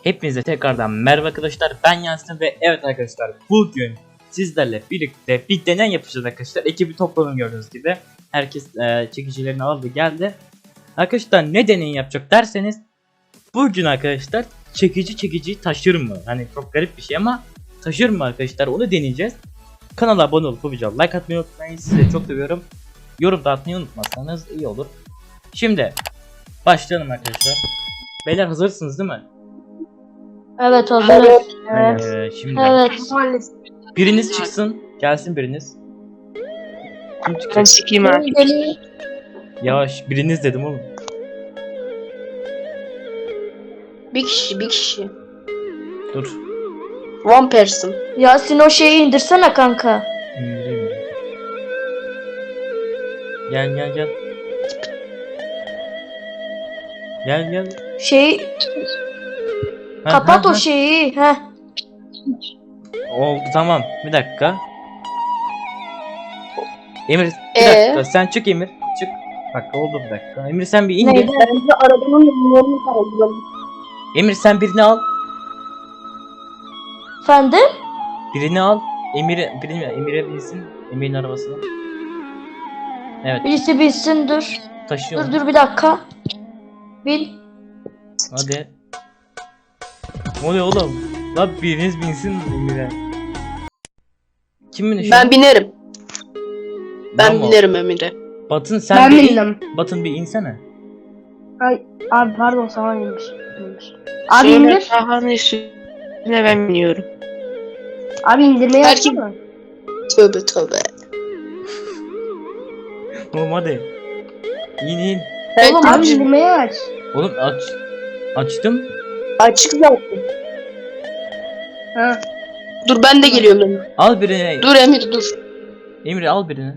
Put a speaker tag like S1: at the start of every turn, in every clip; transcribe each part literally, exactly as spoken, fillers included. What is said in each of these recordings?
S1: Hepinize tekrardan merhaba arkadaşlar, ben Yasin ve evet arkadaşlar bugün sizlerle birlikte bir deney yapacağız arkadaşlar. Ekibi topladım gördüğünüz gibi. Herkes e, çekicilerini aldı geldi. Arkadaşlar ne deney yapacak derseniz, bugün arkadaşlar çekici çekiciyi taşır mı? Hani çok garip bir şey ama taşır mı arkadaşlar, onu deneyeceğiz. Kanala abone olup bu videoya like atmayı unutmayın, sizi çok seviyorum. Yorum da atmayı unutmazsanız iyi olur. Şimdi başlayalım arkadaşlar. Beyler hazırsınız değil mi?
S2: Evet hazırız.
S1: Evet. Ee, şimdi
S2: Evet.
S1: biriniz çıksın, gelsin biriniz. Kim
S3: Ben
S1: çıkacak?
S3: sikeyim abi.
S1: Yavaş, biriniz dedim oğlum.
S3: Bir kişi, bir kişi.
S1: Dur.
S3: One person.
S2: Yasin o şeyi indirsene kanka.
S1: İndireyim mi? Gel gel gel. Gel gel.
S2: Şey
S1: Ha,
S2: kapat
S1: ha,
S2: o
S1: ha.
S2: şeyi. Heh.
S1: Oldu, tamam. Bir dakika. Emir bir
S3: Ee?
S1: dakika, sen çık Emir. Çık. Bak oldu bir dakika. Emir sen bir indir.
S2: Neydi?
S3: Bence arabanın yolunu kaldıralım.
S1: Emir sen birini al.
S2: Efendim?
S1: Birini al. Emir'e birini Emir'e binsin. Emir'in arabasına. Evet,
S2: Birisi bilsin dur.
S1: taşıyor.
S2: Dur dur bir dakika. Bil.
S1: Hadi. Ne oluyor oğlum? Lan biriniz binsin Emir'e. Kim biniyor?
S3: Ben binerim. Ben
S1: Tamam.
S3: binerim Emir'e.
S1: Batın sen
S4: Ben
S1: bir in.
S4: bindim.
S1: Batın bir insene.
S4: Ay, abi pardon sana inmiş. inmiş. Abi
S3: Sonra
S4: indir.
S3: Taha'nın üstüne ben biniyorum.
S4: Abi indirmeyi
S3: Belki-
S4: açsana.
S3: Tövbe tövbe.
S1: Oğlum hadi. İn in.
S4: Oğlum abi indirmeyi aç.
S1: Oğlum aç. Açtım.
S3: Açık zaten.
S4: Ha.
S3: Dur ben de geliyorum Emir.
S1: Al birini.
S3: Dur Emir dur.
S1: Emir al birini.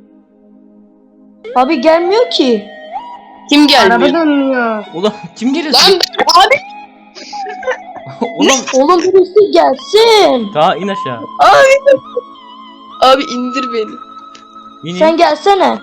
S2: Abi gelmiyor ki.
S3: Kim
S4: Araba
S3: gelmiyor?
S4: dönmüyor.
S1: Ulan kim geliyor?
S3: Lan abi.
S1: Oğlum
S2: Oğlum birisi gelsin.
S1: daha in aşağı.
S3: Abi. Abi indir beni.
S1: İn in.
S2: Sen gelsene.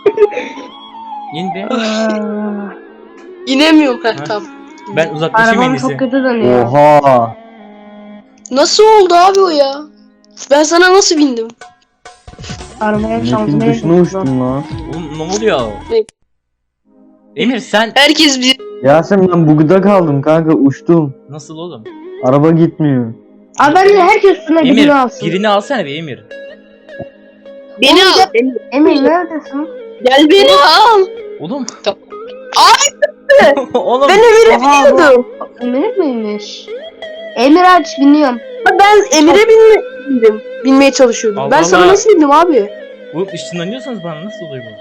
S1: İn be.
S4: Aa,
S3: İnemiyorum. Heh,
S1: Ha.
S3: tamam.
S1: Ben uzaklaşayım en
S4: Arabam
S1: iyisi.
S4: çok kötü dönüyor.
S5: Oha.
S3: Nasıl oldu abi o ya? Ben sana nasıl bindim?
S4: Arabaya
S5: Map'in
S4: şansına
S5: dışına uçtum lan.
S1: Oğlum ne oluyor?
S3: Ne?
S1: Emir sen
S3: Herkes bir...
S5: Yasin ben bugda kaldım kanka, uçtum.
S1: nasıl oğlum?
S5: Araba gitmiyor.
S4: Abi bence herkes üstüne
S1: Emir
S4: birini alsın.
S1: birini alsana bir Emir.
S3: Beni
S4: Oğlum,
S3: al. Emir.
S4: Emir neredesin?
S3: Gel beni al.
S1: Oğlum.
S3: Tamam.
S1: Oğlum.
S3: Ben Emir'e
S4: Oha, bu-
S3: biniyordum.
S4: Emir miymiş? Emir aç biniyorum.
S3: Ben Emir'e binme, bindim. Binmeye çalışıyordum.
S1: Allah
S3: ben sana
S1: Allah.
S3: nasıl bindim abi?
S1: Oğlum ışınlanıyorsanız bana nasıl oluyor bu?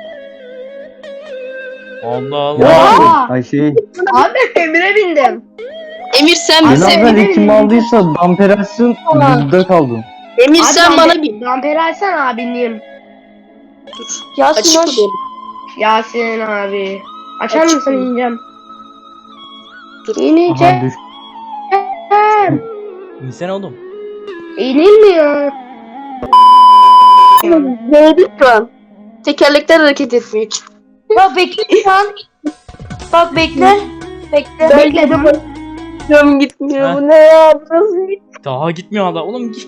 S1: Allah Allah.
S5: Yasin.
S4: Oha.
S5: Ay şey.
S4: Abi Emir'e bindim.
S3: Emir sen
S5: Beni
S3: bize
S5: haber
S4: Emir-
S5: kim aldıysa damper açsın, bugda kaldım.
S3: Emir
S4: Abi
S3: sen
S4: damper-
S3: bana bin.
S4: Damper açsana abi bineyim.
S3: Dur.
S2: Yasin
S3: Açık
S2: hoş.
S3: mı benim?
S4: Yasin abi. Açar
S3: Açık
S4: mısın
S3: mı?
S4: ineceğim.
S3: Dur.
S5: Aha
S4: İneceğim.
S5: düş.
S1: İnsene oğlum.
S4: İnilmiyor.
S3: Neydi şu an? Tekerlekler hareket etmiyor.
S2: Bak bekle şu an. Bak bekle. Bekle.
S4: Bekledim.
S3: Canım gitmiyor.
S1: Ha.
S3: Bu ne ya? Bu nasıl bir...
S1: Daha gitmiyor hala. Oğlum git.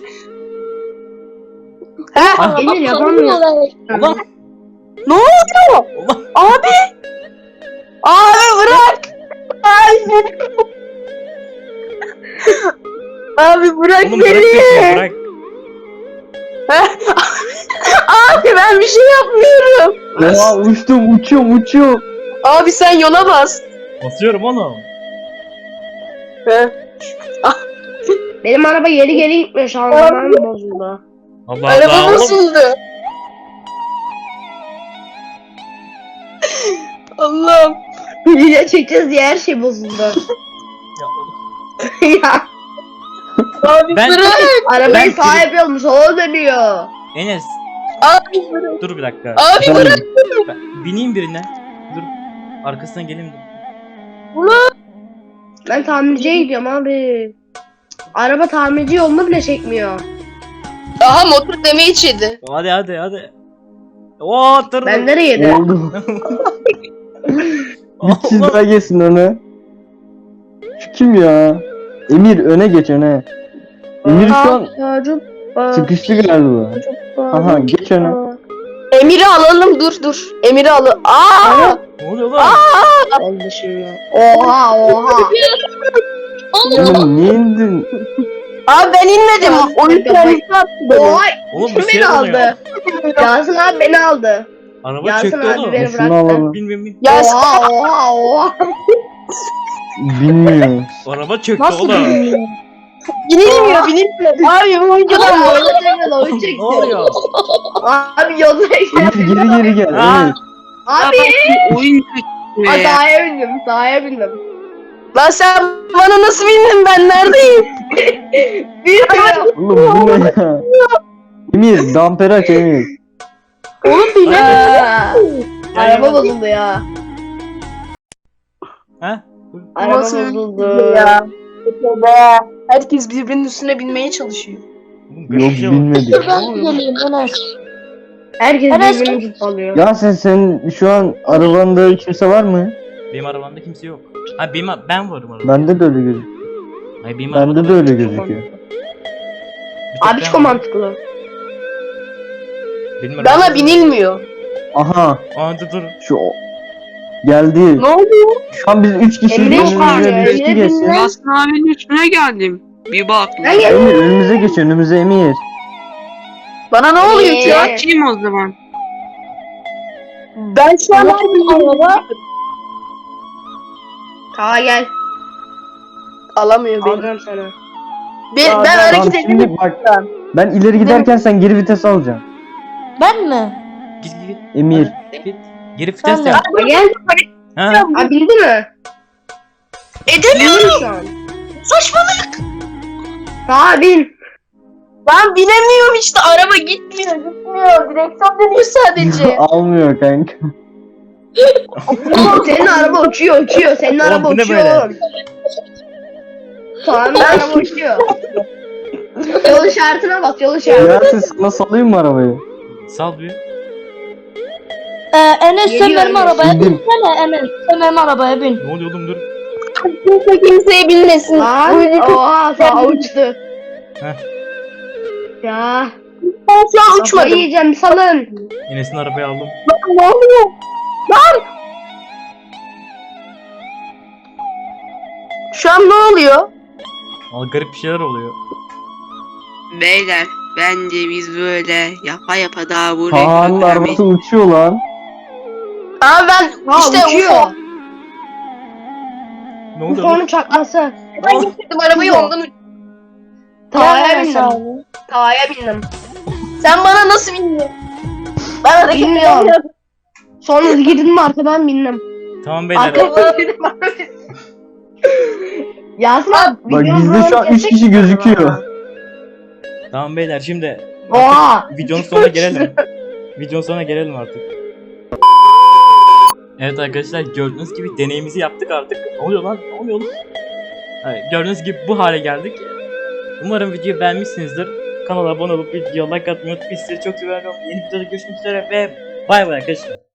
S3: Ha?
S4: Emir yapamıyor.
S1: Ulan.
S3: Ne oluyor?
S1: Ulan.
S3: Abi! Abi bırak! Ay! Abi bırak
S1: Oğlum bırak
S3: beni!
S1: bekle, bırak.
S3: Abi ben bir şey yapmıyorum.
S5: Oha uçtum, uçuyorum, uçuyorum.
S3: Abi sen yola bas.
S1: Basıyorum oğlum.
S3: He.
S4: Benim araba geri geri gitmiyor. Şanzıman bozuldu.
S1: Allah
S3: Araba
S1: Allah. Oğlum.
S3: nasıldı? Allah'ım.
S4: Video çekeceğiz diye her şey bozuldu.
S1: Ya oğlum.
S4: Ya
S3: Abi
S1: Ben-
S3: bırak.
S4: arabayı
S1: Ben-
S4: sahip yapmış o dönüyor.
S1: Enes
S3: Abi bırak.
S1: dur bir dakika.
S3: Abi bırak.
S1: Ben bineyim birine. Dur. Arkasına geleyim dur.
S4: Ben tamirciye gidiyorum abi. Araba tamirci yolunu bile çekmiyor.
S3: Aha motor demeyi içedi.
S1: Hadi hadi hadi. Oo tır.
S4: Ben nereye yedim?
S5: Oldu. Bir çiz daha gelsin onu. Şu kim ya? Emir öne geç öne. Emir şu an
S4: Çocuk.
S5: sıkıştı galiba. Aha geç öne.
S3: Emir'i alalım dur dur. Emir'i al. Aa!
S1: Ne oluyor lan?
S4: Oldu şimdi. Oha oha.
S5: Oğlum niye indin?
S3: Abi ben inmedim. Oyun kendisi attı beni.
S4: Oha.
S1: Oğlum bir
S4: Kim
S1: şey
S4: beni
S1: oluyor.
S4: aldı? Yasin abi beni aldı.
S1: Araba
S4: Yasin
S1: çöktü
S4: abi
S1: oğlum.
S4: beni
S5: Şunu
S4: bıraktı.
S5: alalım.
S1: Bin bin bin.
S3: Ya sen-
S4: Oha oha oha.
S5: Bilmiyor.
S1: Araba çöktü
S2: Nasıl
S1: oğlum.
S2: bilmiyorum.
S3: binilmiyor binilmiyor. Abi bu oyuncudan
S4: Adam
S3: böyle.
S4: oyunu çekti oyunu
S1: Oğlum,
S4: çekti.
S1: ne oluyor?
S4: Abi yolda
S5: Emir geri geri gel.
S1: Ha.
S5: Emir.
S4: Abi.
S6: Oyun
S4: Ay sahaya bindim sahaya bindim.
S3: Lan sen bana nasıl bindin ben neredeyim?
S4: Bilmiyorum.
S5: Oğlum bu ne ya? Emir damper aç Emir.
S3: Oğlum
S4: Aa, Araba
S1: Ya,
S4: bozuldu ya.
S1: Ha?
S4: Araba
S3: Nasıl
S4: bozuldu.
S3: ya? Herkes birbirinin üstüne binmeye çalışıyor.
S1: Oğlum,
S5: Yok
S1: garip bir şey var.
S5: bilmedim.
S2: Ben geleyim Enes.
S4: Herkes
S2: Enes-
S4: birbirini tutalıyor.
S5: Ya sen sen şu an arabanda kimse var mı?
S1: Benim arabamda kimse yok. Ha benim ben varım arabada.
S5: Bende de öyle gözüküyor.
S1: Hayır benim arabada
S5: Bende de
S1: var.
S5: öyle gözüküyor.
S1: Bir tek
S4: Abi
S1: ben
S4: çok
S1: varım.
S4: mantıklı.
S1: Benim
S3: Bana
S1: arabada-
S3: binilmiyor.
S5: Aha
S1: Aa dur dur.
S5: şu o- geldi.
S3: Ne oluyor?
S5: Şu an biz üç kişiyiz.
S4: Emre
S5: Önümüze
S4: çıkıyor,
S5: birisi
S4: Emre
S5: geçsin.
S4: binme.
S6: Yasin abinin üstüne geldim. Bir bak.
S4: Ben gel.
S5: Emir önümüze geç önümüze Emir.
S3: Bana ne oluyor
S4: Ee,
S3: ki?
S6: Açayım o zaman.
S3: Ben şu an araba
S4: Aa gel.
S3: alamıyor beni.
S4: Alacağım sana.
S3: Ben, ben
S5: Tamam
S3: hareket
S5: şimdi
S3: edemiyorum.
S5: bak ben ileri giderken sen geri vites alacaksın.
S2: Ben mi?
S1: Git git git.
S5: Emir.
S1: Git. Geri vites
S2: Ben de.
S1: yap.
S4: Aa, gel.
S1: Ha?
S4: Aa bildi mi?
S3: Edemiyorum.
S4: Bildi mi şu an?
S3: Saçmalık.
S4: Aa bin.
S3: Ben binemiyorum işte. Araba gitmiyor. Gitmiyor. Direksiyon dönüyor sadece.
S5: Almıyor kanka.
S4: Oğlum senin araba uçuyor uçuyor. Senin
S1: Oğlum,
S4: araba
S1: bu ne
S4: uçuyor
S1: böyle?
S4: oğlum. Tamam araba uçuyor. Yol işaretine bak yol işaretine.
S5: Ya sen sana salayım mı arabayı?
S1: Sal bir.
S2: Ee, Enes sen
S4: Geliyor
S2: benim
S4: Enes.
S2: arabaya
S5: Bindim.
S2: binsene Enes. Sen benim arabaya bin.
S1: Ne oluyor oğlum dur.
S3: Kimse kimseye binmesin.
S4: Lan oha sağ uçtu.
S1: Heh.
S4: Ya.
S3: Ben şu an
S4: Kafayı
S3: uçmadım.
S4: yiyeceğim salın.
S1: Enes'in arabayı aldım.
S3: Ne oluyor? Lan! Şu an ne oluyor?
S1: Aa, garip bir şeyler oluyor.
S6: Beyler bence biz böyle yapa yapa daha bu
S5: Kaan'ın
S6: rekoru
S5: arabası uçuyor lan.
S3: Aa ben
S4: Ha
S3: işte
S4: uçuyor.
S3: UFO.
S1: Ne
S4: Bu
S1: oluyor?
S4: fonun çakması.
S3: Ben getirdim arabayı ondan uç-
S4: Tağaya
S2: Enes
S4: bindim.
S2: abi.
S4: Tağaya bindim.
S3: Sen bana nasıl bindin? Ben hareket
S4: Bilmiyorum.
S3: edemiyorum.
S4: Sonra girdim mi arkadan bindim.
S1: Tamam beyler.
S4: Arkadan girdim arkadan. Yasin abi.
S5: Bak
S4: videonun
S5: bizde şu an
S4: programı
S5: üç kişi
S4: kesecek
S5: gözüküyor.
S4: galiba.
S1: Tamam beyler şimdi
S4: Oha.
S1: videonun sonuna gelelim. Videonun sonuna gelelim artık. Evet arkadaşlar gördüğünüz gibi deneyimizi yaptık artık. Ne oluyor lan? Ne oluyor lan? Evet, gördüğünüz gibi bu hale geldik. Umarım videoyu beğenmişsinizdir. Kanala abone olup videoya like atmayı unutmayın. Sizleri çok seviyorum. Yeni videoda görüşmek üzere ve bay bay arkadaşlar.